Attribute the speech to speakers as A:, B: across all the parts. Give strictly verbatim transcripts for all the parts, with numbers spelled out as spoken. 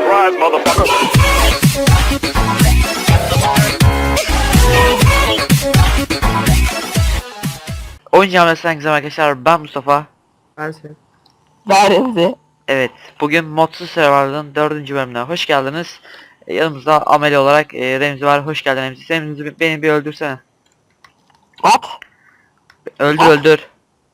A: Surprise, motherfucker.
B: Oyun Camiası'ndan güzel arkadaşlar, ben Mustafa.
C: Ben sen.
D: Veremdi.
B: Evet, bugün Modsuz Survival'ın dördüncü bölümüne hoş geldiniz. E, yanımızda ameli olarak e, Remzi var, hoş geldin Remzi. Remzi, beni bir öldürsene.
D: What?
B: Öldür öldür.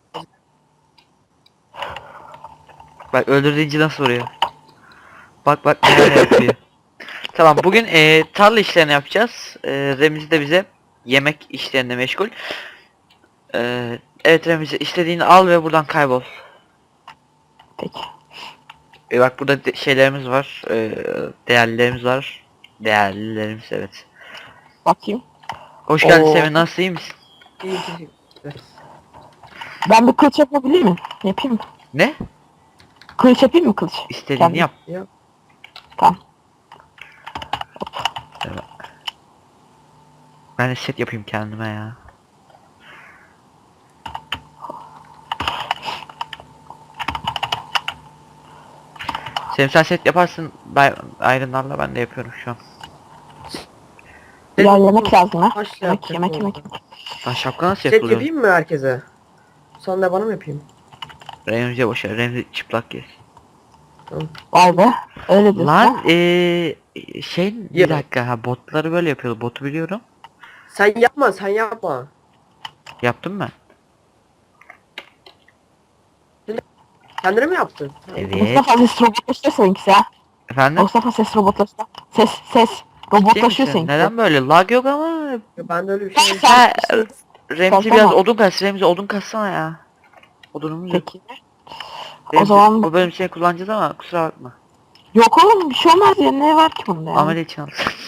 B: Bak öldür deyince nasıl vuruyor. Bak bak neler yapıyor. Tamam, bugün e, tarla işlerini yapacağız. E, Remzi de bize yemek işlerinde meşgul. E, evet Remzi, istediğini al ve buradan kaybol.
D: Peki.
B: E bak burada de- şeylerimiz var, e, değerlilerimiz var. Değerlilerimiz, evet.
D: Bakayım.
B: Hoş geldin
D: Oo.
B: Semih, nasıl, iyi misin?
C: İyi teşekkürler.
D: Ben bir kılıç yapabilir miyim? Yapayım mı?
B: Ne?
D: Kılıç yapayım mı kılıç?
B: İstediğini
D: Kendim.
B: yap.
C: Ya.
D: Tamam.
B: Ben de set yapayım kendime ya. Semih sen set yaparsın, ben Iron'larla ben de yapıyorum şu an.
D: Ya yemek lazım ha.
C: Taş
D: Yemek
C: yapacağım
D: yemek
C: orada.
D: yemek.
B: Lan şapka nasıl
C: Set
B: yapılıyor?
C: yapayım mı herkese? Sonra da bana mı yapayım?
B: Remzi'ye boşver, Remzi çıplak yer.
D: Vay be. Öyle diyorsun
B: Lan
D: ha.
B: eee şey, bir
C: Yap.
B: dakika, ha botları böyle yapıyordu, botu biliyorum.
C: Sen yapma, sen yapma.
B: Yaptım ben.
C: Kendine mi yaptın?
B: Evet.
D: Mustafa ses robotlaşıyor seninkisi ha.
B: Efendim?
D: Mustafa ses robotlaşıyor. Ses ses
B: Ciddi
D: robotlaşıyor
B: misin?
D: seninkisi.
B: Neden böyle? Lag yok ama.
C: Ya ben de öyle bir şey.
B: Ha,
D: Sen-
B: Remzi
D: Sen
B: biraz
D: tamam.
B: odun kas, Remzi odun kassana ya. Odunumuz yok.
D: Peki.
B: Remzi,
D: zaman-
B: bu bölüm seni kullanacağız ama kusura bakma.
D: Yok oğlum bir şey olmaz ya. Ne var ki bunda ya?
B: Amele için al.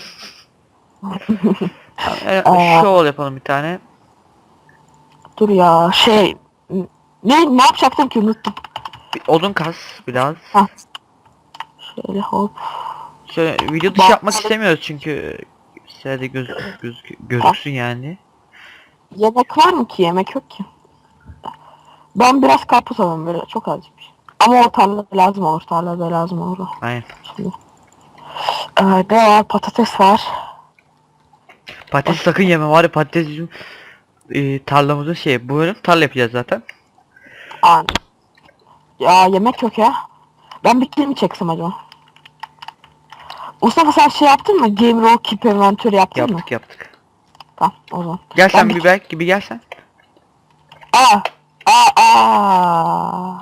B: Tamam, e,
D: Aa.
B: şov yapalım bir tane.
D: Dur ya şey. Ne ne yapacaktım ki unuttum.
B: Bir odun kas biraz.
D: Ha. Şöyle hop.
B: Şöyle video dışı
D: Bak-
B: yapmak istemiyoruz çünkü sırada göz, göz, gözüksün yani.
D: Yemek var mı ki? Yemek yok ki. Ben biraz karpuz alayım böyle çok azıcık bir şey. Ama o tarlada lazım olur. Tarlada lazım olur. o.
B: Aynen.
D: Şimdi. Ee, ne var? Patates var.
B: Patates sakın yeme, var ya, patates bizim e, tarlamızın şey, bu bölüm tarla yapacağız zaten.
D: Aa, ya yemek yok ya. Ben bir kill mi çeksem acaba? Mustafa sen şey yaptın mı? Game Roll Keep Inventory yaptın mı?
B: Yaptık yaptık.
D: Tamam o zaman.
B: Gel sen
D: Ben
B: bir belki gibi gel sen.
D: Aa! Aa! Aa!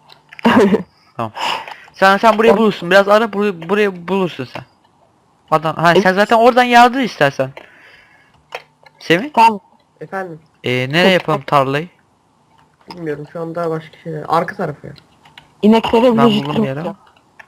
B: Sen sen burayı
D: Ben-
B: bulursun. Biraz ara, burayı, burayı bulursun sen. Adam, ha sen
D: Evet.
B: zaten oradan yardır istersen. Semih,
D: Tamam.
C: Efendim,
B: e, nereye yapalım tarlayı?
C: bilmiyorum şu anda başka şeyler. Arka tarafı ya.
D: İneklere
B: Ben
D: bile
B: buldum
D: jitrim
B: bir yere.
D: yapacağım.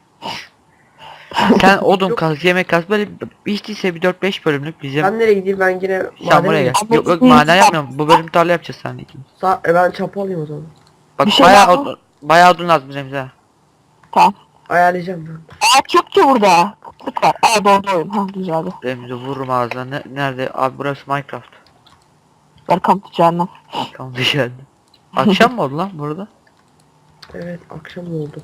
B: Sen odun
C: Yok.
B: kaz, yemek kaz, böyle hiç değilse bir dört beş bölümlük bizim.
C: Ben nereye gideyim, ben yine
B: Sen
C: madene
B: buraya gel.
C: gideyim.
D: Ama
B: Yok yok,
D: bizim-
B: maden yapmıyorum. Bu bölüm tarla yapacağız seninle ikimiz.
C: Sa e, ben çapa alayım o zaman.
B: Bak
D: Bir şey
B: bayağı
D: lazım.
B: odun, bayağı odun lazım Remzi ha.
D: Tamam.
C: Ayarlayacağım ben.
D: Ağaç yok ki burada. Kıtlık var. Aa doğru oyun. Ha güzeldi.
B: Remzi vururum ağzına. Ne, nerede? Abi burası Minecraft.
D: Welcome to cehennem.
B: Tamam, dışarıda. Akşam mı oldu lan burada?
C: Evet, akşam oldu.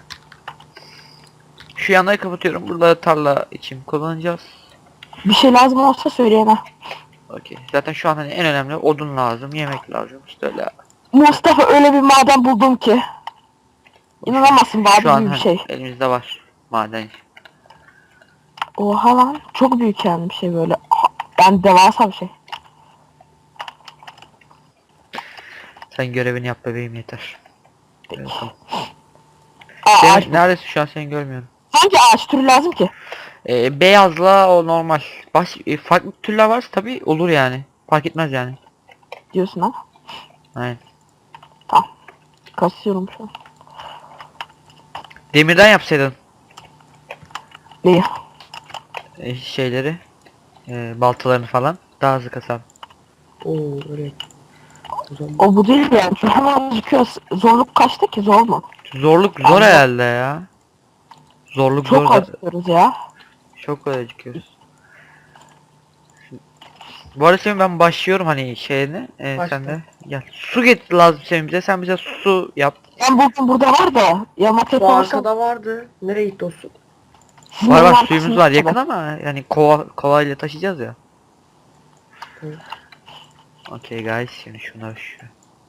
B: Şu yanları kapatıyorum. Burada tarla için kullanacağız.
D: Bir şey lazım olsa söyleyin ha.
B: Okey. Zaten şu an hani en önemli odun lazım, yemek lazım. İşte öyle.
D: Mustafa öyle bir maden buldum ki. İnanamazsın daha
B: Şu an
D: büyük bir
B: hani
D: şey.
B: elimizde var maden.
D: Oha lan çok büyük yani bir şey böyle. Ben devasa bir şey.
B: Sen görevini yap bebeğim, yeter. Evet, tamam.
D: Aa, ağaç.
B: Semih, neredesin şu an, seni görmüyorum.
D: Hangi ağaç türü lazım ki?
B: Ee, beyazla o normal. Baş, e, farklı türler varsa tabi olur yani. Fark etmez yani.
D: Diyorsun ha.
B: Aynen.
D: Kasıyorum şu an.
B: Demirden yapsaydın
D: Neyi?
B: e, şeyleri, e, baltalarını falan daha hızlı kasar.
C: Oo, öyle. O zaman
D: O bu değil yani. Şu hemen gözüküyor. Zorluk kaçta ki zor mu?
B: Zorluk zor
D: Anladım.
B: herhalde ya. Zorluk
D: Çok
B: zor.
D: acıyoruz ya.
B: Çok kolay çıkıyoruz. Bu arada Semih, ben başlıyorum hani şeyini. E,
C: Başla.
B: sen de gel. Su getir lazım Semih bize. Sen bize su yap.
D: Ben buldum burada var da. Ya maket
C: şu
D: olursa
C: arkada vardı. Nereye gitti o su?
D: Sizin
B: Var
D: evin
B: var
D: arkasında
B: suyumuz var yakın
D: kadar.
B: ama yani kova kovayla taşıyacağız ya.
C: Evet.
B: Okay guys şimdi şunlar şu.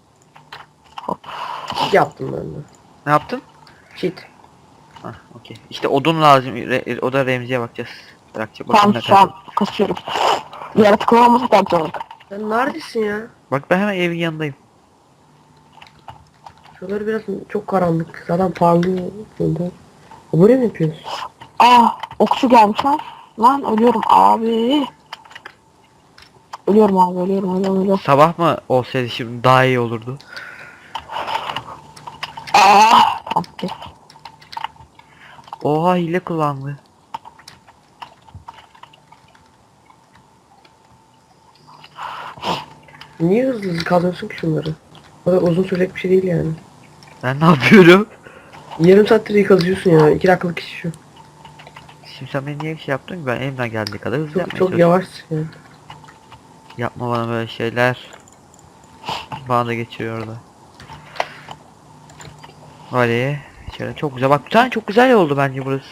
C: Cheat yaptım ben de.
B: Ne yaptın?
C: Cheat.
B: Hah okey. İşte odun lazım. Re- o da Remzi'ye bakacağız. Bırakacak bakalım
D: Tamam
B: ne
D: şu
B: kadar.
D: an kasıyorum. Yaratıklar olmasa daha güzel olur.
C: Sen neredesin ya?
B: Bak ben hemen evin yanındayım.
C: Şuraları biraz çok karanlık. Zaten parlıyor. Şurada. Buraya mı yapıyorsun?
D: Aa okçu gelmiş lan. Lan ölüyorum abi. Ölüyorum abi ölüyorum ölüyorum ölüyorum.
B: Sabah mı olsaydı şimdi daha iyi olurdu.
D: Aa tamam. Okey.
B: Oha hile kullandı.
C: Niye hızlı hızlı kazıyorsun ki şunları? O kadar uzun sürecek bir şey değil yani.
B: Ben ne yapıyorum?
C: Yarım saattir iyi kazıyorsun ya. İki dakikalık iş şu.
B: Şimdi sen beni niye şey yaptın ki? Ben elimden geldiği kadar hızlı
C: Çok,
B: yapmaya
C: çok
B: çalışıyorum.
C: yavaşsın yani.
B: Yapma bana böyle şeyler. Bana da geçiriyor orada. Hadi. Şöyle çok güzel. Bak bir tane çok güzel oldu bence burası.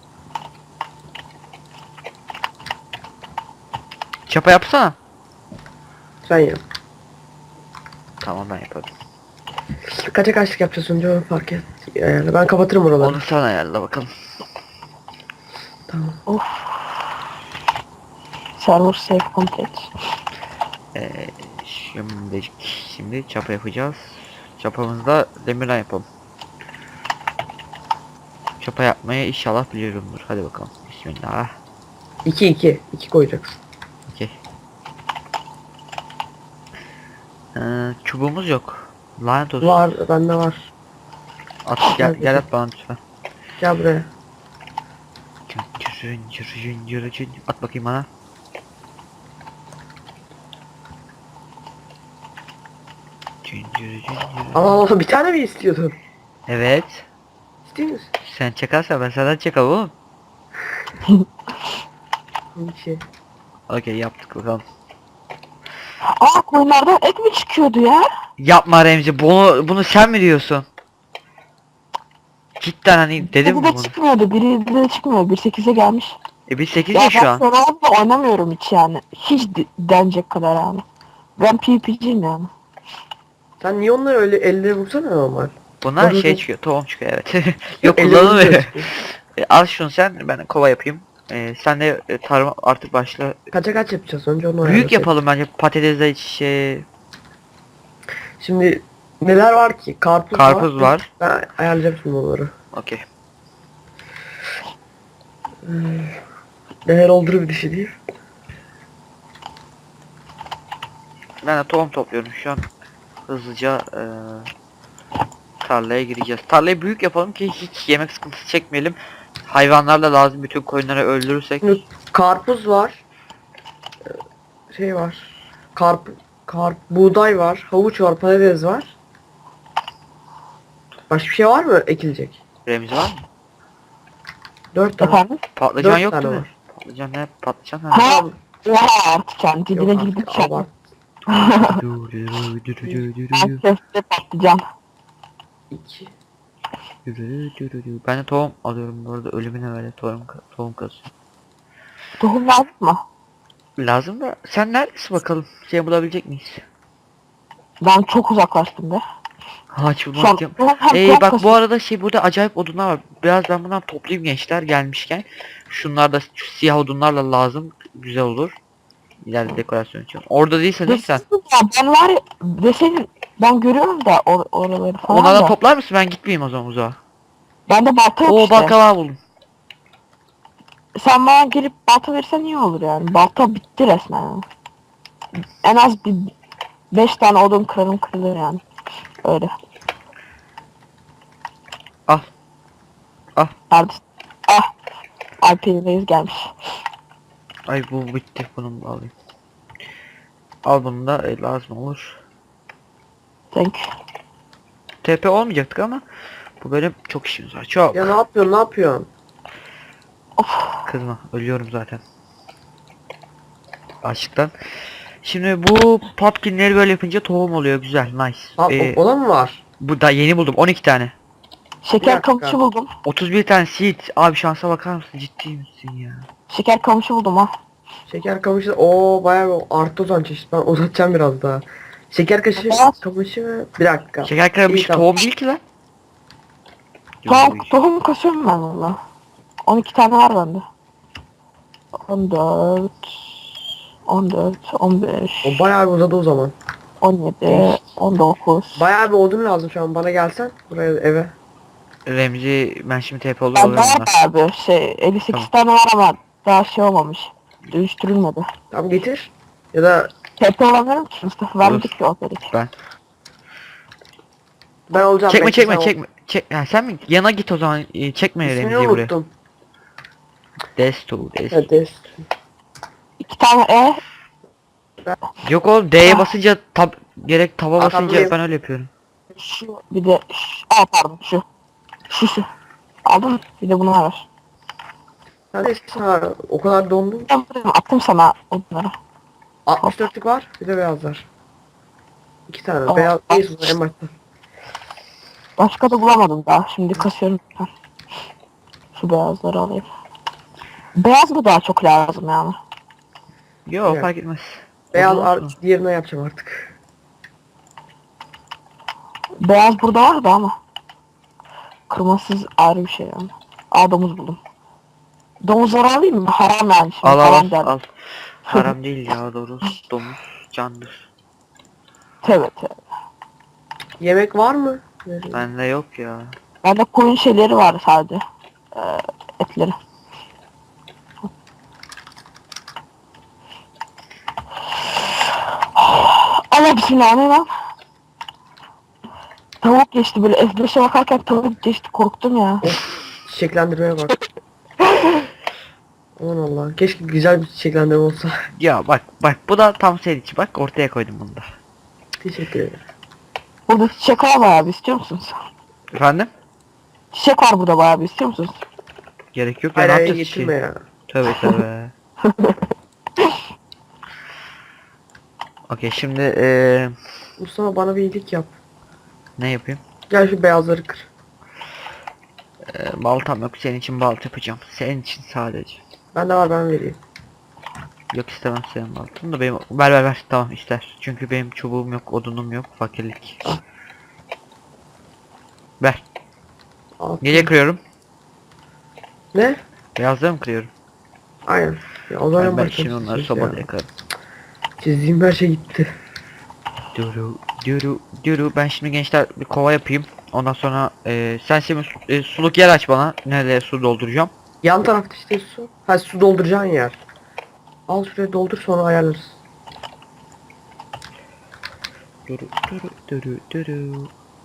B: Çapa yapsana.
C: Sen yap.
B: Tamam ben yaparım.
C: Kaça kaçlık yapacağız önce onu fark et. Yani ben kapatırım oraları.
B: Onu sen ayarla bakalım.
C: Tamam.
D: Of. Server save complete.
B: Ee, şimdi şimdi çapa yapacağız. Çapamızda demirden yapalım. Çapa yapmayı inşallah biliyorumdur. Hadi bakalım. Bismillah.
C: iki iki. iki koyacaksın.
B: Okey. Ee, çubuğumuz yok. Lanet olsun.
C: Var. Bende var.
B: At gel, gel at bana lütfen.
C: Gel buraya.
B: Cırın, cırın, cırın, cırın. At bakayım bana. Cırın, cırın, cırın.
C: Allah Allah bir tane mi istiyordun?
B: Evet.
C: İstiyor musun?
B: Sen çakarsan ben senden çakal oğlum.
C: Bir şey.
B: Okey yaptık bakalım.
D: Aa koyunlardan et mi çıkıyordu ya?
B: Yapma Remzi bunu bunu sen mi diyorsun? Cidden hani dedim mi
D: Biri de
B: bunu?
D: çıkmıyordu. Biri de çıkmıyor. bir sekize gelmiş.
B: E biz sekiz
D: Ya
B: ya şu
D: ben
B: an.
D: Survival'da oynamıyorum hiç yani. Hiç de- denecek kadar yani. Ben PvP'ciyim yani.
C: Sen niye onları öyle elle vursana normal?
B: Bunlar
C: Dur,
B: şey
C: dur.
B: çıkıyor, tohum çıkıyor evet. Yok
C: Elle vurunca
B: kullanılmıyor.
C: çıkıyor.
B: E, al şunu sen, ben kova yapayım. E, sen de e, tarım artık başla.
C: Kaça kaç yapacağız önce onu
B: Büyük
C: ayarlasak.
B: yapalım bence patatesle şey,
C: Şimdi neler var ki? Karpuz,
B: karpuz var.
C: Ben ayarlayacağım şimdi onları.
B: Okey.
C: Değer olduğu bir şey değil.
B: Ben de tohum topluyorum şu an. Hızlıca e, tarlaya gireceğiz. Tarlayı büyük yapalım ki hiç yemek sıkıntısı çekmeyelim. Hayvanlar da lazım, bütün koyunları öldürürsek.
C: Şimdi karpuz var. Ee, Şey var. Karp, karp, buğday var. Havuç var. Patates var. Başka bir şey var mı ekilecek?
B: Remzi var mı?
C: Dört tane.
D: Efendim?
B: Patlıcan
C: Dört
B: yok
C: tane
B: değil mi?
C: var.
B: Patlıcan ne? Patlıcan ha.
D: Ha?
C: Tamam.
D: Oha artık yani. Dibine
C: Yok
D: girdik
C: artık,
D: yani.
C: abart.
D: Ben köfte patlıcan.
C: İki.
B: Ben de tohum alıyorum bu arada, ölümüne böyle tohum tohum kasıyorum.
D: Tohum lazım mı?
B: Lazım da sen neredesin bakalım? Şey bulabilecek miyiz?
D: Ben çok uzaklaştım be.
B: Ağaç
D: Şu an
B: bulmak diyorum.
D: tohum hem
B: Ee,
D: kıyak
B: bak bu
D: kasıyor.
B: arada şey burada acayip odunlar var. Biraz ben bundan toplayayım gençler gelmişken. Şunlar da şu siyah odunlarla lazım. Güzel olur. İleride dekorasyon için. Orada değilsen
D: Dur,
B: lütfen.
D: ya ben var ya deseydin ben görüyorum da or oraları falan
B: Onlardan
D: da.
B: toplar mısın? Ben gitmeyeyim o zaman uzağa.
D: Ben de balta yok
B: Oo
D: işte.
B: baklava buldum.
D: Sen bana gelip balta versen iyi olur yani. Balta bitti resmen yani. En az bir beş tane odun kırarım kırılır yani. Öyle.
B: Al. Al.
D: Neredesin? Ah. Alper'in reis gelmiş.
B: Ay bu bitti. Bunu da alayım. Al bunu da e, lazım olur.
D: Thank you.
B: T P olmayacaktık ama bu bölüm çok işimiz var. Çok.
C: Ya ne yapıyorsun? Ne yapıyorsun?
D: Of.
B: Kızma. Ölüyorum zaten. Açlıktan. Şimdi bu pumpkinleri böyle yapınca tohum oluyor. Güzel. Nice.
C: Ha,
B: Ee,
C: o, o da mı var?
B: bu da yeni buldum. on iki tane.
D: Şeker
C: dakika.
D: kamışı buldum.
B: otuz bir tane seed. Abi şansa bakar mısın? Ciddi misin ya?
D: Şeker kamışı buldum ha.
C: Şeker kamışı o bayağı bir arttı o zaman çeşit. Ben uzatacağım biraz daha. Şeker kaşı
D: Beyaz.
C: kamışı mı? Bir dakika.
B: Şeker karamış
C: İyi, tamam.
B: tohum değil ki lan.
D: Tohum,
B: Yok,
D: tohum kasıyorum ben valla. on iki tane var bende. on dört, on dört, on beş,
C: O bayağı bir uzadı o zaman.
D: on yedi,
C: Değişik.
D: on dokuz.
C: Bayağı bir odun lazım şu an. Bana gelsen buraya eve.
B: Remzi ben şimdi T P olur
D: Ben
B: olurum
D: var
B: bunlar.
D: abi şey elli sekiz
B: Tamam.
D: tane var ama daha şey olmamış. Dönüştürülmedi.
C: Tamam getir. Ya da
D: Tepe olamıyorum ki Mustafa vermedik ki o kadar.
B: Ben.
C: ben olacağım.
B: Çekme
C: bekle,
B: çekme
C: sen ol.
B: çekme. Çek. Ha, sen mi? Yana git o zaman. Ee, Çekme
C: İsmini
B: Remzi'yi buraya.
C: unuttum.
B: Desto, Desto.
C: Evet.
D: İki tane E,
B: Yok oğlum D'ye basınca tab gerek taba
C: Aa,
B: basınca
C: tamam.
B: ben öyle yapıyorum.
D: şu bir de şu, aa pardon şu. Şu şu. Aldın mı? Bir de bunu ver.
C: Neredesin ha? O kadar dondum.
D: Ben buradayım, attım sana onları.
C: altmış dörtlük var. Bir de beyazlar. İki tane.
D: Aa,
C: Beyaz.
D: bak.
C: Neyse en başta.
D: Başka da bulamadım daha. Şimdi kasıyorum. Heh. Şu beyazları alayım. Beyaz mı daha çok lazım yani?
B: Yok
C: Evet.
B: fark etmez.
C: Beyaz
B: Olur
C: ar
B: mu?
C: diğerine yapacağım artık.
D: Beyaz burada var da ama. Kırmızısız ayrı bir şey yani. Aa domuz buldum. Domuzları alayım mı? Haram yani şimdi.
B: Al al
D: haram
B: al,
D: derdim.
B: al. Haram değil ya doğru. Domuz candır.
D: Tövbe tövbe.
C: Yemek var mı? Verin.
B: Bende yok ya.
D: Bende koyun şeyleri var sadece. Ee, etleri. Allah bismillah ne lan? Tavuk geçti böyle F beşe bakarken tavuk geçti korktum ya.
C: Çiçeklendirmeye bak. Aman Allah. Keşke güzel bir çiçeklendirme olsa.
B: Ya bak bak bu da tam senin için bak ortaya koydum bunu da.
C: Teşekkür ederim.
D: Burada çiçek var bayağı bir istiyor musunuz?
B: Efendim?
D: Çiçek var burada bayağı bir istiyor musunuz?
B: Gerek yok ya
C: Hayır
B: ne
C: hayır
B: yapacağız
C: getirme
B: ki?
C: ya.
B: Tövbe tövbe. Okey şimdi eee
C: Mustafa bana bir iyilik yap.
B: ne yapayım?
C: Gel şu beyazları kır.
B: Eee baltam yok senin için balta yapacağım. Senin için sadece.
C: Bende var ben vereyim.
B: Yok istemem senin baltanı da benim ver ver ver tamam ister. Çünkü benim çubuğum yok odunum yok fakirlik. Ver.
C: Al.
B: Nereye kırıyorum?
C: Ne?
B: Beyazları mı kırıyorum?
C: Aynen. Ya o zaman
B: Ben, ben
C: başka
B: şimdi
C: bir
B: onları
C: şey
B: sobada
C: ya.
B: yakarım.
C: Çizdiğim her şey gitti.
B: Duru duru duru ben şimdi gençler bir kova yapayım. Ondan sonra eee sen şimdi su- e, suluk yer aç bana. Nereye su dolduracağım.
C: Yan tarafta işte su. Ha su dolduracağın yer. Al şuraya doldur sonra ayarlarız.
B: Duru duru duru duru.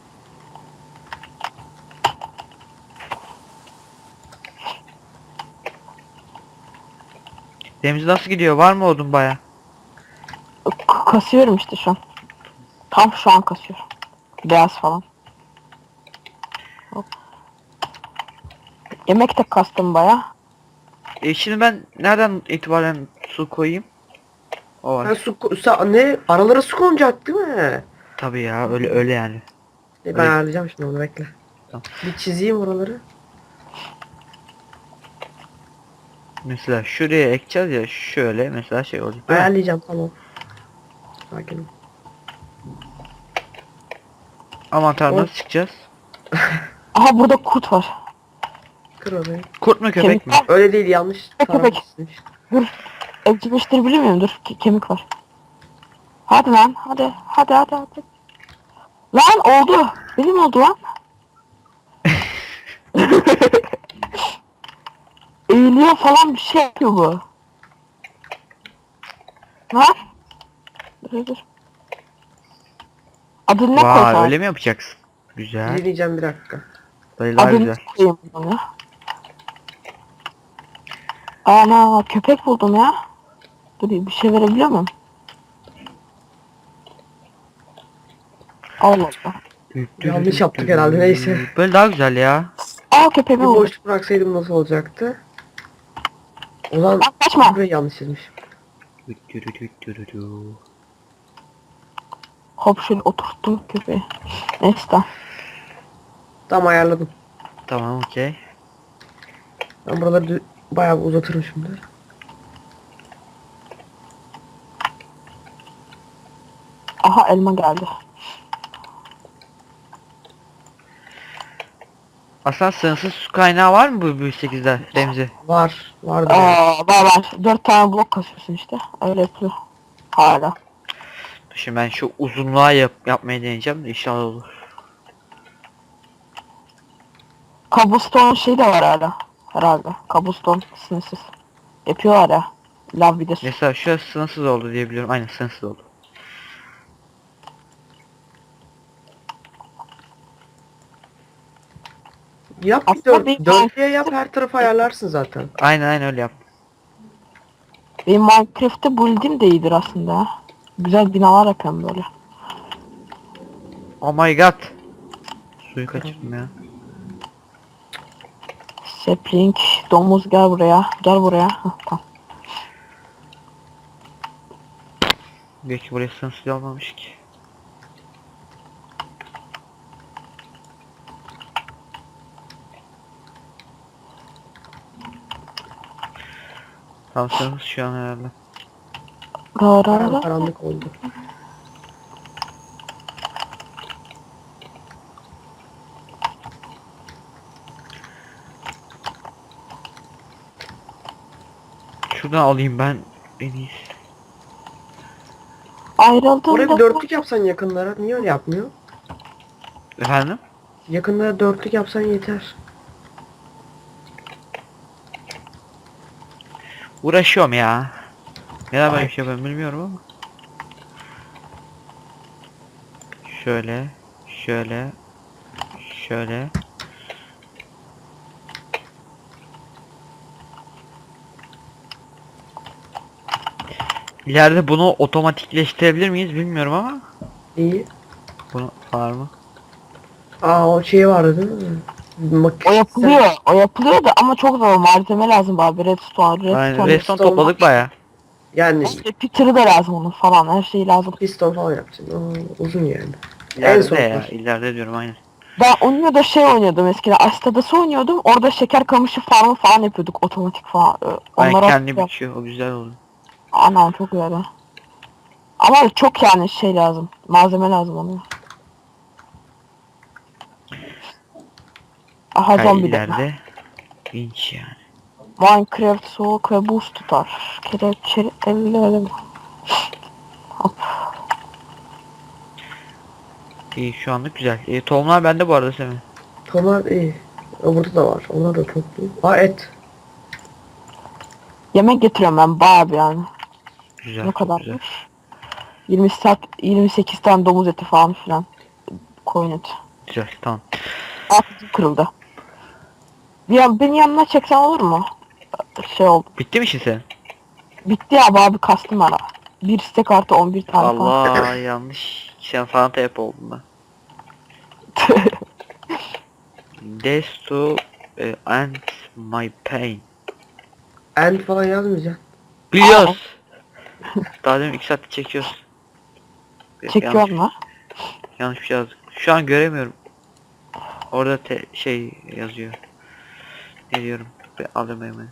B: Deniz nasıl gidiyor? Var mı odun baya?
D: K- kasıyorum işte şu an. Tam şu an kasıyorum. Beyaz falan. Hop. Yemek de kastım baya.
B: E şimdi ben nereden itibaren su koyayım? O var.
C: Ha su ko- sa- ne? Aralara su konacak değil mi?
B: Tabii ya öyle öyle yani.
C: E, ben
B: Öyle.
C: ayarlayacağım şimdi onu bekle.
B: Tamam.
C: Bir çizeyim oraları.
B: Mesela şuraya ekeceğiz ya şöyle mesela şey olacak. değil mi?
C: Ayarlayacağım tamam. Sakin ol.
B: Aman tanrım
C: Oy.
B: nasıl çıkacağız?
D: Aha burada kurt var.
C: Kır orayı.
B: Kurt mu köpek mi?
D: Kemik var.
C: Öyle değil yanlış
D: Köpek.
C: taraftasın işte.
D: Dur. Evcilleştirebilir miyim? Dur. Ke- kemik var. Hadi lan. Hadi. Hadi hadi hadi. Lan oldu. Benim oldu lan. Eğiliyor falan bir şey yapıyor bu. Lan. Dur dur. Adını ne
B: Vay
D: koysam?
B: öyle mi yapacaksın? Güzel.
C: Dinleyeceğim bir dakika.
B: Dayı daha
D: Adını
B: güzel.
D: koyayım bunu ya. Ana köpek buldum ya. Dur bir şey verebiliyor muyum? Allah Allah.
C: Yanlış yaptık herhalde, neyse.
B: Böyle daha güzel ya.
D: Aa
C: Bir
D: köpeğimi buldum.
C: boşluk bıraksaydım nasıl olacaktı? O zaman
D: Lan kaçma.
C: burayı yanlış çizmiş.
D: Hop şöyle oturttum köpeği. Neyse tamam.
C: Tamam ayarladım.
B: Tamam, okey.
C: Ben buraları dü- bayağı bir uzatırım şimdi.
D: Aha elma geldi.
B: Aslında sınırsız su kaynağı var mı bu büyük sekizde Remzi?
C: Var. Vardır yani.
D: Aa, var var. Dört tane blok kasıyorsun işte. Öyle yapılıyor. Hala.
B: Şimdi ben şu uzunluğa yap yapmayı deneyeceğim de inşallah olur.
D: Cobblestone şey de var hala. Herhalde. Cobblestone sınırsız. Yapıyorlar ya. Lav bir de su.
B: Mesela şurası sınırsız oldu diye biliyorum. Aynen sınırsız oldu.
C: Yap bir
D: Aslında
C: dört,
D: bir-
C: dörtlüye yap, her tarafı ayarlarsın zaten.
B: Aynen aynen öyle yap.
D: Benim Minecraft'te build'im de iyidir aslında. Ha. Güzel binalar yapıyorum böyle.
B: Oh my god. Suyu kaçırdım ya.
D: Sapling, domuz gel buraya. Gel buraya. Hah, tamam.
B: Belki buraya sınırsız olmamış ki. Tam sınırsız şu an herhalde.
D: Ra ra
C: Bayağı
D: ra.
C: karanlık oldu.
B: Şuradan alayım ben en iyisi.
C: Oraya bir
D: Ayrıldığında
C: dörtlük yapsan yakınlara. Niye öyle yapmıyor?
B: Efendim?
C: Yakınlara dörtlük yapsan yeter.
B: Uğraşıyorum ya. Neden böyle bir şey yapıyorum bilmiyorum ama. Şöyle, şöyle, şöyle. İleride bunu otomatikleştirebilir miyiz bilmiyorum ama.
C: İyi.
B: Bunu var mı?
C: Aa, o şey vardı değil mi? Mak
D: o yapılıyor. O yapılıyor da ama çok zor. Malzeme lazım abi. Redstone, redstone.
B: Aynen
C: redstone
B: redstone topladık baya.
C: Yani
D: İşte Peter'ı da lazım onun falan. Her şeyi lazım.
C: piston falan yapacaksın. Aa, uzun yani. En
B: İleride
C: son
B: ya.
C: var.
B: İleride diyorum aynen.
D: Ben oynuyor da şey oynuyordum eskiden. Astadası oynuyordum. Orada şeker kamışı farmı falan yapıyorduk. Otomatik falan. Ee,
B: Aynen
D: Onlara
B: kendi biçiyor. O güzel oldu.
D: Anam çok güzel. Ha. Ama çok yani şey lazım. Malzeme lazım ona. Aha
B: Hayır
D: zombi de.
B: ileride. İnç yani.
D: Minecraft soğuk ve buz tutar. Kelepçeli ellerim. Hop.
B: İyi şu anlık güzel. E, tohumlar bende bu arada Semih.
C: Tomar iyi. O burada da var. Onlar da toplu. Aa, et.
D: Yemek getiriyorum ben bayağı bir yani.
B: Güzel.
D: Ne
B: çok
D: kadarmış?
B: güzel.
D: yirmi saat yirmi sekiz tane domuz eti falan filan. Koyun eti.
B: Güzel tamam.
D: Altı kırıldı. Ya beni yanına çeksen olur mu? Şey oldu.
B: Bitti mi işin senin?
D: Bitti ya abi kastım ara. Bir istek artı on bir tane falan.
B: Allah yanlış. Sen Fanta yap oldum ben. Death to e, end my pain.
C: End falan yazmayacaksın.
B: Biliyoruz. Daha demin iki saat çekiyoruz. Yok,
D: Çekiyor
B: yanlış,
D: mu?
B: yanlış bir şey yazdık. Şu an göremiyorum. Orada te şey yazıyor. Ne diyorum? Bir alayım hemen.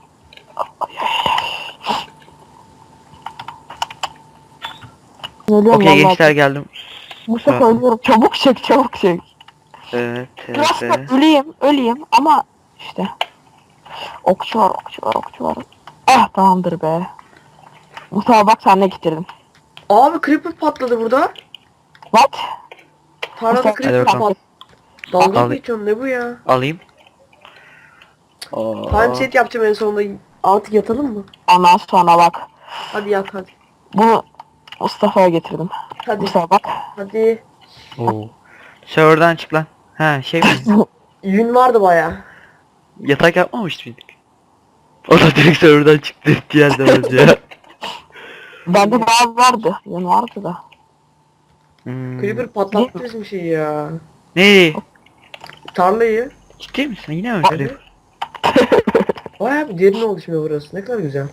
D: Ölüyorum
B: Okey
D: vallahi.
B: gençler geldim.
D: Bu sefer ölüyorum. Çabuk çek çabuk çek.
B: Evet, evet,
D: Biraz da
B: evet.
D: öleyim öleyim ama işte. Okçu var okçu var okçu var. Ah tamamdır be. Mustafa bak sen ne getirdin.
C: Abi creeper patladı burada.
D: What?
C: Tarlada
D: Hadi
C: creeper
B: bakalım.
C: patladı. Dalga
B: Al-
C: mı geçiyorsun, ne bu ya?
B: Alayım. Oo.
C: Time set yapacağım en sonunda. Artık yatalım mı?
D: Ondan sonra bak.
C: Hadi yat hadi.
D: Bunu Mustafa'ya getirdim.
C: Hadi.
D: Mustafa bak.
C: Hadi.
B: Oo. Server'dan çık lan. Ha şey mi?
C: Yün vardı baya.
B: Yatak yapmamıştık mıydık? O da direkt server'dan çıktı diğer demez ya.
D: Bende bayağı vardı. Yani vardı da.
B: Hmm.
C: Creeper patlattı bizim şeyi ya.
B: Ne?
C: Tarlayı.
B: Ciddi misin? Yine mi
C: Hadi.
B: Creeper?
C: Baya bir derin oluşmuyor burası. Ne kadar güzel.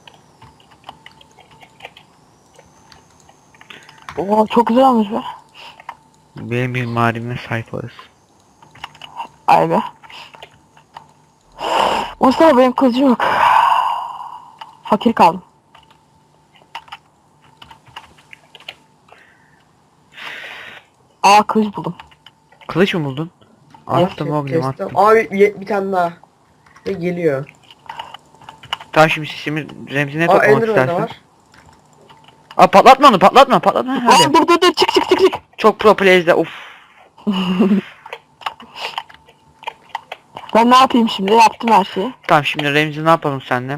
D: Oo çok güzel olmuş be.
B: Benim bir marime sahip olasın.
D: Ay be. Mustafa benim kılıcım yok. Fakir kaldım. Aa kılıç buldum.
B: Kılıç mı buldun? Attım oğlum
C: Kestim.
B: attım.
C: Abi ye- bir tane daha. Ve geliyor.
B: Tamam şimdi şimdi Remzi ne
C: Aa
B: toplamak
C: Enderman da
B: istersin?
C: var.
B: Aa patlatma onu patlatma patlatma
D: Aa
B: hadi.
D: dur dur dur çık çık çık çık.
B: Çok pro plays'de uf.
D: Ben ne yapayım şimdi? Yaptım her şeyi.
B: Tamam şimdi Remzi ne yapalım seninle?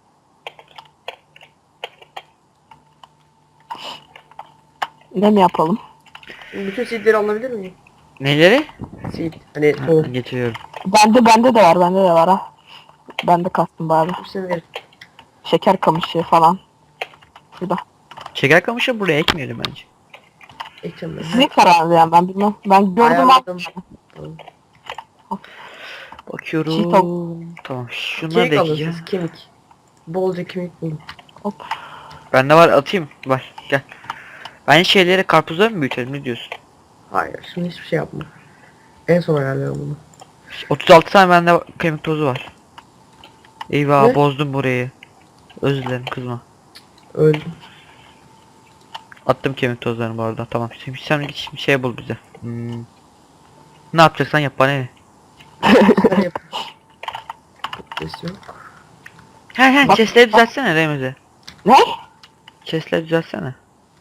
D: Ne mi yapalım?
C: Bütün seedleri alabilir miyim?
B: Neleri?
C: Seed. Hani
B: Ha,
C: tohum.
B: getiriyorum.
D: Bende bende de var bende de var ha. Bende kastım bari.
C: Hepsini ver.
D: Şeker kamışı falan. Şurada.
B: Şeker kamışı buraya ekmeyelim bence.
C: Ekeceğim ben.
D: Sizin kararınız yani ben bilmem. Ben gördüm
C: Ayarladım.
D: abi.
C: Tamam.
B: Bakıyorum.
D: Çiğ
B: Tamam şunları
C: Kemik
B: da
C: alın
B: ekeceğim.
C: siz kemik. Bolca kemik bulun.
D: Hop.
B: Bende var atayım. Var gel. Ben şeyleri karpuzları mı büyütelim ne diyorsun?
C: Hayır şimdi hiçbir şey yapma. En son ayarlıyorum bunu.
B: otuz altı tane bende kemik tozu var. Eyvah
C: Ne?
B: bozdum burayı. Özür dilerim kızma.
C: Öldüm.
B: Attım kemik tozlarını bu arada. Tamam. Şimdi sen git şimdi şey bul bize. Hmm. Ne yapacaksan yap bana ne?
C: Sen yap. Ses yok.
B: He he
D: Bak-
B: chestleri düzeltsene Remzi.
D: Ne?
B: Chestleri düzeltsene.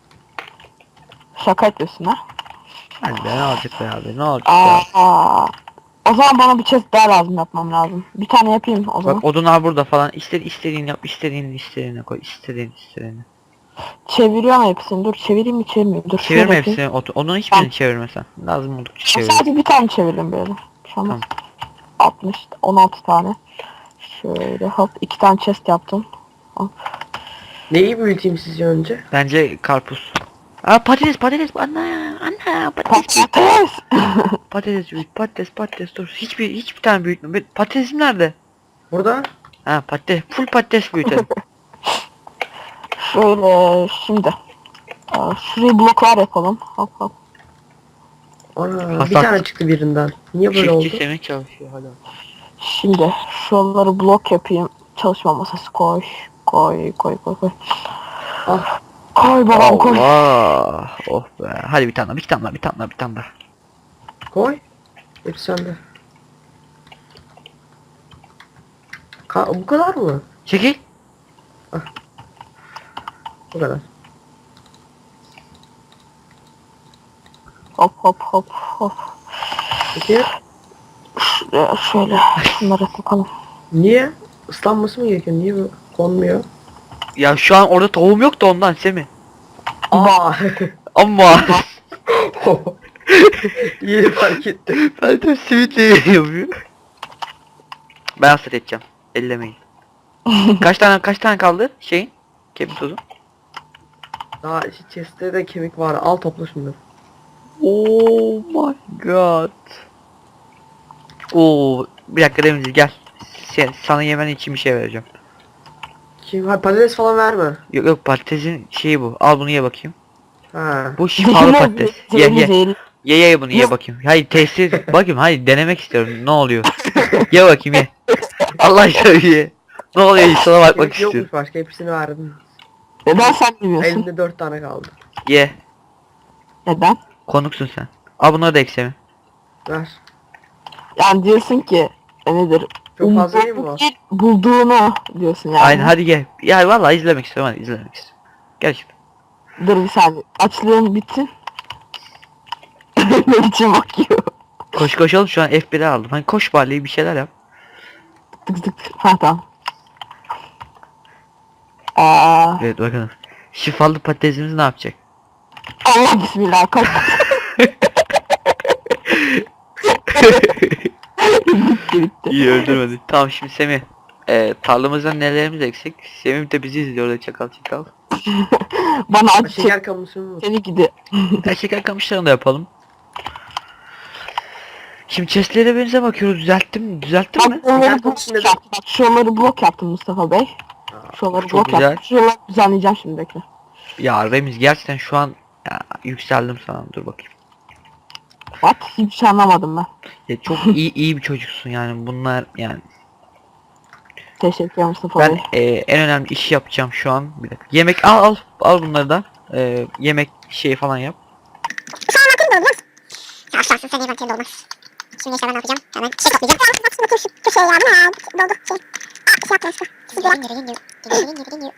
D: Şaka yapıyorsun ha?
B: Hadi be ne olacak be abi ne olacak ya.
D: Aa. O zaman bana bir chest daha lazım yapmam lazım. Bir tane yapayım o zaman.
B: Bak odunlar burada falan. İstedi istediğini yap, istediğini istediğine koy, istediğini istediğini.
D: Çeviriyorum hepsini. Dur çevireyim mi çevirmeyeyim. Dur şöyle
B: Çevirme
D: yapayım.
B: hepsini. Od onun hiçbirini çevirmesen. Lazım oldukça çevir.
D: Sadece bir tane çevirdim böyle. Şu an
B: Tamam.
D: altmış, on altı tane. Şöyle hop iki tane chest yaptım.
C: Neyi büyüteyim sizce önce?
B: Bence karpuz. Aa patates patates anne anne patates
D: Patates.
B: patates büyüt patates patates dur hiçbir hiçbir tane büyütme. Ben- Patatesim nerede?
C: Burada.
B: Ha patates full patates büyütelim.
D: Şöyle şimdi. Aa, şuraya bloklar yapalım. Hop hop.
C: Ana bir
B: Hasat.
C: tane çıktı birinden. Niye böyle
B: Çiftçi
C: oldu?
B: sevmek çalışıyor hala.
D: Şimdi şuraları blok yapayım. Çalışma masası koy. Koy koy koy koy.
C: Ah
D: Koy babam koy.
B: Allah oh be hadi bir tane daha bir tane daha bir tane daha bir tane daha.
C: koy. Hepsi sende. Ka bu kadar mı?
B: Çekil.
C: Bu kadar.
D: Hop hop hop hop.
C: Peki
D: Şuraya şöyle şunları takalım.
C: niye? Islanması mı gerekiyor? Niye bu konmuyor?
B: Ya şu an orada tohum yok da ondan Semih.
C: Aa.
B: Ama
C: Yeni fark ettim.
B: ben de simitle yapıyor. Ben hasret edeceğim. Ellemeyin. kaç tane kaç tane kaldı şeyin? Kemik tozu.
C: Daha işte chest'te de kemik var. Al topla şunları.
B: Oh my god. Oo bir dakika Remzi gel. Sen, sana yemen için bir şey vereceğim.
C: Kim? Ha patates falan verme.
B: Yok yok patatesin şeyi bu. Al bunu ye bakayım.
C: Ha.
B: Bu şifalı patates. Ye
D: Zehirli
B: ye.
D: zehirli.
B: Ye ye bunu ye
D: Yok.
B: bakayım. Hayır tesir bakayım hayır denemek istiyorum ne oluyor. Ye bakayım ye. Allah aşkına ye. Ne oluyor sana bakmak
C: Kemik
B: istiyorum.
C: yokmuş başka hepsini verdim.
D: Neden sen bilmiyorsun?
C: Elimde dört tane kaldı.
B: Ye.
D: Neden?
B: Konuksun sen. Al bunları da eksemi.
C: Ver.
D: Yani diyorsun ki e, nedir?
C: Çok fazla değil mi
D: Umduğunu
C: bu?
D: değil, bulduğunu diyorsun yani.
B: Aynen hadi gel. Ya vallahi izlemek istiyorum hadi izlemek istiyorum. Gel şimdi.
D: Dur bir saniye. Açlığın bitsin. Ne biçim bakıyor.
B: Koş koşalım şu an F bir'e aldım. Hani koş bari bir şeyler yap.
D: Tık tık tık. Ha tamam. Aa,
B: Evet bakalım. Şifalı patatesimiz ne yapacak?
D: Allah bismillah kaç. bitti bitti.
B: İyi öldürmedi. Tamam şimdi Semih. Ee, tarlamızdan nelerimiz eksik? Semih de bizi izliyor orada çakal çakal.
D: Bana acı çek.
C: Şeker kamışı mı?
D: Seni gidi.
B: Her şeker kamışlarını da yapalım. Şimdi chestlere benze bakıyoruz. Düzelttim mi? Düzelttim mi?
D: Bak şuraları
C: Şeker
D: blok
C: kamışı neden-
D: yaptım. Bak şuraları blok yaptım Mustafa Bey. Şuraları
B: çok
D: blok
B: güzel.
D: yaptım. Şuraları düzenleyeceğim şimdi bekle.
B: Ya Remiz gerçekten şu an ya, yükseldim sana. Dur bakayım.
D: Bak hiçbir şey anlamadım ben.
B: Ya çok iyi iyi bir çocuksun yani bunlar yani.
D: Teşekkür ederim Mustafa
B: Ben
D: Bey.
B: e, en önemli işi yapacağım şu an. Bir dakika. Yemek al al al bunları da. E, yemek şeyi falan yap.
A: Ya şansın sen eventinde olmaz. Şimdi işte ben ne yapacağım? Hemen şey toplayacağım. Bakın şu, şu şey ya bu ne ya? Doldu şey. Aa şey yaptım işte. Siz geliyor. Geliyor geliyor. Geliyor geliyor geliyor.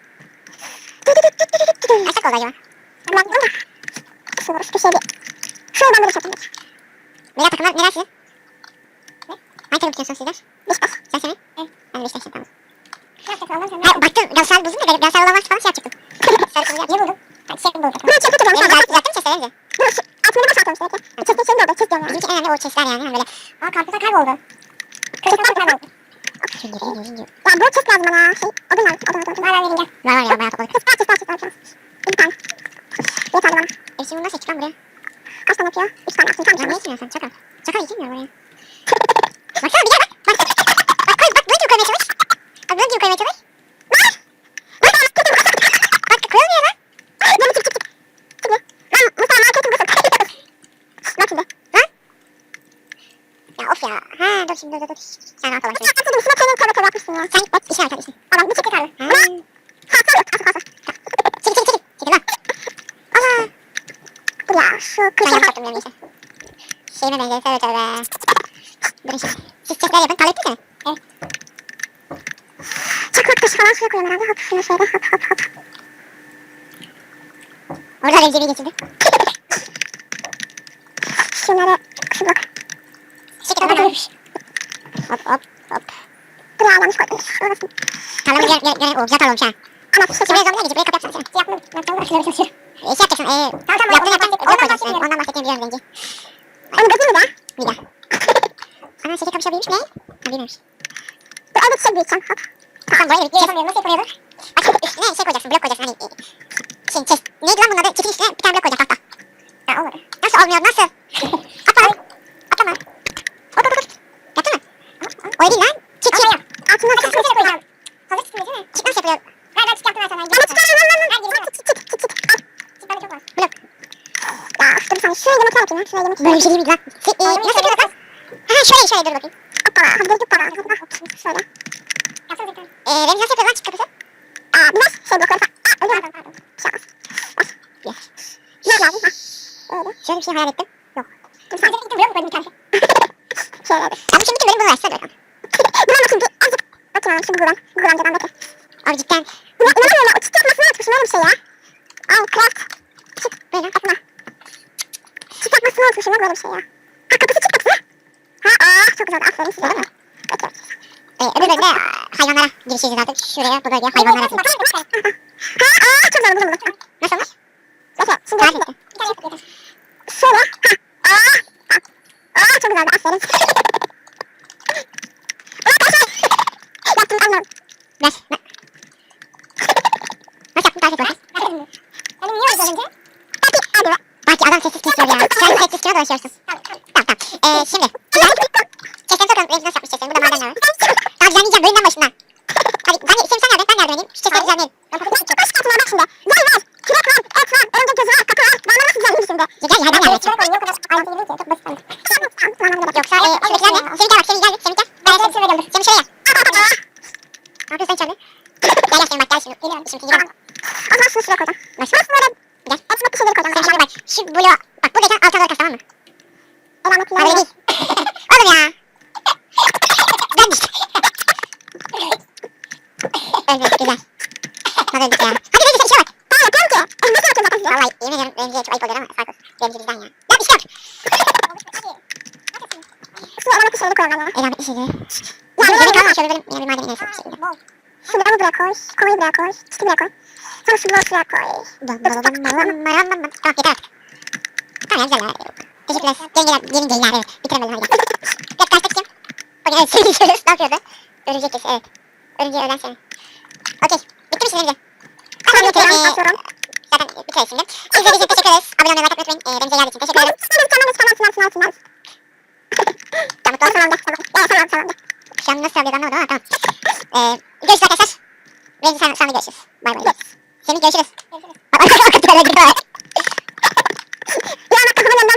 A: Kaç dakika oldu acaba? Ben bunu da. Şunu şu şey bir. Şurayı ben böyle çektim. Beyler takımlar neler sizin? Ne? Hangi takım tutuyorsunuz sizler? Beşiktaş. Sen seni? Evet. Ben de Beşiktaş'ım tamam. Ha baktım Galatasaray buldum da Galatasaray olan varsa falan şey yapacaktım. Sarı kızı yaptım. Niye buldun? Ben çiçek buldum. Ben çiçek buldum. Ben düzelttim çiçekleri de. Altını baş atmışlar ki. Çiçek için de oldu. Çiçek diyorum yani. Bizimki en önemli o çiçekler yani. Hani böyle. Aa karpuza kayboldu. Kırıklar kayboldu. Şimdi geliyor geliyor. Ya bu çiçek lazım bana. Şey odun lazım. Odun odun. Var var vereyim gel. Var var ya bayağı topladık. Kız var çiçek var çiçek var. Bir tane. Yeterli bana. E şimdi nasıl çıkacağım buraya? Kaç tane yapıyor? Üç tane yaptım. Tamam. Ya ne içmiyorsun? Çakal. Çakal içmiyor buraya. Baksana bir gel bak. Bak. Bak koy bak. Böyle gibi koymaya çalış. Bak böyle gibi koymaya çalış. Bak. Bak. Bak koyulmuyor lan. Böyle çık çık çık. Çıkıyor. Lan Mustafa marketin basın. Bak şimdi. Lan. Ya of ya. Ha dur şimdi dur dur dur. Sen rahat ol şimdi. Sen atladın. Şuna koyun tövbe tövbe yapmışsın ya. Sen git bak. İşe arkadaşın. Adam bir çekil abi. Ha. Ha sor yok. Asıl asıl. Çekil çekil çekil. Çekil lan. Allah. Dur ya şu kırık yaptım yani işte. Şeyime benziyor tövbe tövbe. Durun şimdi. Siz çekler yapın. Tal ettin mi? Evet. Çakmak taşı falan suya koyuyorum herhalde. Hop şunu şöyle hop hop hop. Orada rencibi geçirdi. Şunları şu blok. Şekil olmamış. Hop hop hop. Dur ya yanlış koydum. Orası. Tarlamız yer yer yer o güzel tarlamış ha. Ama şu şuraya zamına geçip buraya kapı yapsana sen. Yapmadım. Ben tamam şunları çalışıyorum. E şey yapacaksın. Eee. Tamam tamam. Yaptığını yapacaksın. Blok koyacaksın. Yani. Ondan bahsettiğimi biliyorum rengi. Onu gözü mü de? Bir de. Ana şekil kapı büyümüş ne? Ha büyümüş. Dur orada çiçek büyüteceğim. Hop. Tamam buraya bir yapamıyorum. Nasıl yapılıyordu? Bak şimdi üstüne şey koyacaksın. Blok koyacaksın. Hani şey chest. Neydi lan bunun adı? Çitin üstüne bir tane blok koyacaksın tahta. Ha olmadı. Nasıl olmuyor? Nasıl? Atma. Atlama. Hop hop hop. Yaptı mı? O değil lan. Çit çit. Altına da çit koyacağım. Hazır çıkmıyor değil mi? Çit nasıl yapılıyor? Ver ver çit yaptım ben sana. Ama çit ver ver ver. Çit çit çit çit çit. Al. Çit bende çok var. Blok. Ya dur bir saniye. Şuraya yumurta yapayım ya. Şuraya yumurta. Böyle bir şey değil mi lan? Ee, nasıl yapıyoruz lan? Ha şöyle şöyle dur bakayım. Hoppa. Hadi dur dur para. Hadi bak. Şöyle. Yapsana bir tane. Eee Remzi nasıl yapıyoruz lan çit kapısı? Aa biraz şey blokları falan. Aa öyle mi? Pardon. Bir şey olmaz. Bak. Gel. Ne lazım? Ha. Öyle. Şöyle bir şey hayal ettim. Yok. Dur sadece bir blok mu koydum bir tane? Şöyle dur. Ya bu şimdi bütün bölüm bunu versene bakalım. Buna bakayım bir azıcık. Bakayım şimdi buradan. Buradan buradan bakayım. Abi cidden. Buna inanamıyorum ya. O çit yapmasını unutmuşum öyle bir şey ya. Al craft. Çit. Böyle bakma. Çit yapmasını unutmuşum böyle bir şey ya. Ha kapısı çit kapısı. Ha aa çok güzel oldu. Aferin size değil mi? Peki. Ee, öbür bölümde hayvanlara girişeceğiz artık. Şuraya bu bölgeye hayvanlara atacağız. Ha aa çok güzel oldu bunu. Nasıl olmuş? Peki şimdi tarif et. Bir tane yapıp yeter. Şöyle. Ha. Aa. Bak. Aa çok güzeldi. Aferin. Yaptım anladım. Ver. Ver. Nasıl yaptın tarif et bakayım. Benim niye oldu önce? Hadi hadi ver. Belki adam sessiz kesiyor ya. Sen sessiz kesiyor dolaşıyorsun. Tamam tamam. Tamam Eee şimdi. Çekten bakalım. Rengi nasıl yapmış çekten. Burada madenler var. Daha düzenleyeceğim bölümden başından. Hadi ben sen sen yardım et ben yardım edeyim. Şu çekten düzenleyelim. Ben kapatayım. Baş katına bak şimdi. Gel ver. Kürek var. Et var. Örümcek gözü var. Kapı var. Ben nasıl düzenleyeyim şimdi? Gel ya ben yardım edeceğim. Yok o kadar ayrıntı değil ki. Çok basit. Tamam tamam. Yoksa eee şuradakiler ne? Semih gel bak Semih gel. Semih gel. Ben Semih şuraya geldim. Semih şuraya. Ne yapıyorsun sen içeride? Gel gel Semih bak gel şimdi. Geliyorum. Şimdi gidelim. O zaman şunu şuraya koyacağım. Nasıl? Böyle. Gel. Hepsine bir şeyleri koyacağım. Semih şimdi bak. Şu bloğa. Bak buradayken alta doğru kas tamam mı? Elamet ya. Öyle değil. Oğlum ya. Ben düştüm. Öldük güzel. Hadi öldük ya. Hadi Remzi sen işe bak. Tamam yapıyorum ki. Nasıl yapıyorum zaten size? Vallahi yemin ederim Remzi'ye çok ayıp oluyor ama fark olsun. Remzi bizden ya. Ya bir şey yok. Şuraya elamet şeyleri koyalım ben ya. Elamet şeyleri. Ya yemek alma şöyle benim yani madem neyse bir şekilde. Şunları buraya koy. Kovayı buraya koy. Çiti buraya koy. Sonra şu bloğu şuraya koy. Tamam yeter artık. Tamam güzel ya. Teşekkürler. Yengeler, gelin geyler evet. Bitiremedim hadi. Biraz karşıda kim? O evet seni görüyoruz. Ne yapıyordu? Örümcek kesi evet. Örümceği ölen seni. Okey. Bitti mi şimdi Remzi? Tamam bitirelim. Atıyorum. Zaten bitiririz şimdi. İzlediğiniz için teşekkür ederiz. Abone olmayı like atmayı unutmayın. Remzi'ye geldiği için teşekkür ederim. Tamam tamam tamam tamam tamam tamam. Tamam tamam tamam tamam. Tamam tamam. Şu an nasıl alıyoruz anlamadım ama tamam. Ee, görüşürüz arkadaşlar. Remzi sen, sen de görüşürüz. Bay bay. Semih görüşürüz.